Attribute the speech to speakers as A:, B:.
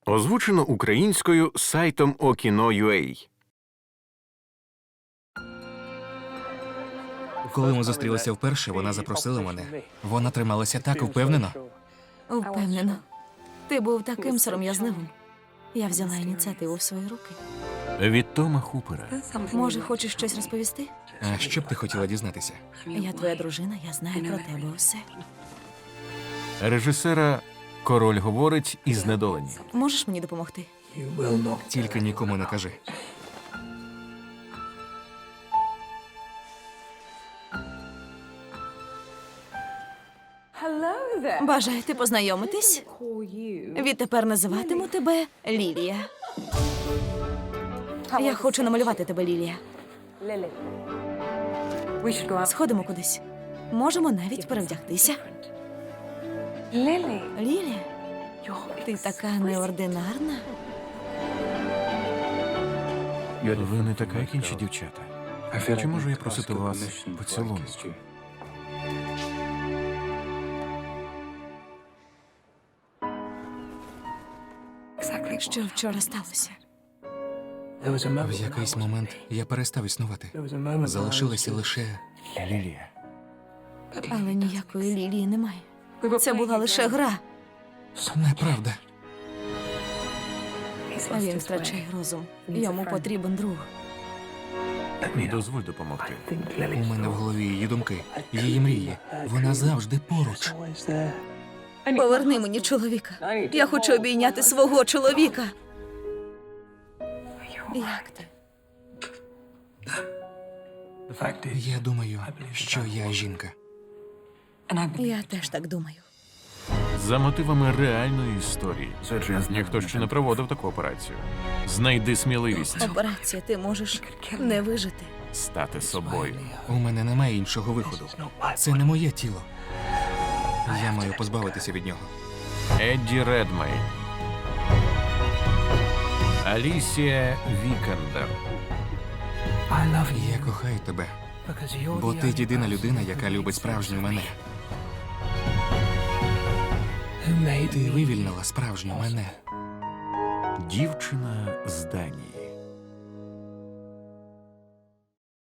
A: Озвучено українською сайтом Okino.ua.
B: Коли ми зустрілися вперше, вона запросила мене. Вона трималася так впевнено.
C: Впевнено. Ти був таким сором'язливим. Я взяла ініціативу в свої руки.
A: Від Тома Хупера.
C: Може, хочеш щось розповісти?
B: А що б ти хотіла дізнатися?
C: Я твоя дружина, я знаю про тебе усе.
A: Режисера «Король говорить» і «Знедолені».
C: Можеш мені допомогти?
B: Тільки нікому не кажи.
C: Бажаєте познайомитись? Відтепер називатиму тебе Лілія. Я хочу намалювати тебе, Лілія. Сходимо кудись. Можемо навіть перевдягтися. Лілія, ти така неординарна.
A: Ви не така, як інші дівчата. Чи можу я просити вас поцілунку?
C: Що вчора сталося?
B: В якийсь момент я перестав існувати. Залишилася лише...
A: Лілія.
C: Але ніякої Лілії немає. Це була лише гра.
B: Неправда.
C: Він втрачає розум. Йому потрібен друг.
A: Дозволь допомогти.
B: У мене в голові її думки, її мрії. Вона завжди поруч.
C: Поверни мені чоловіка. Я хочу обійняти свого чоловіка. Як ти?
B: Я думаю, що я жінка.
C: Я теж так думаю.
A: За мотивами реальної історії. Ніхто ще не проводив таку операцію. Знайди сміливість
C: Операція, ти можеш не вижити.
A: стати собою.
B: У мене немає іншого виходу. Це не моє тіло. Я маю позбавитися від нього.
A: Едді Редмейн. Алісія Вікендер.
B: Я кохаю тебе, бо ти єдина людина, яка любить справжню мене. Ти вивільнила справжню мене.
A: Дівчина з Данії.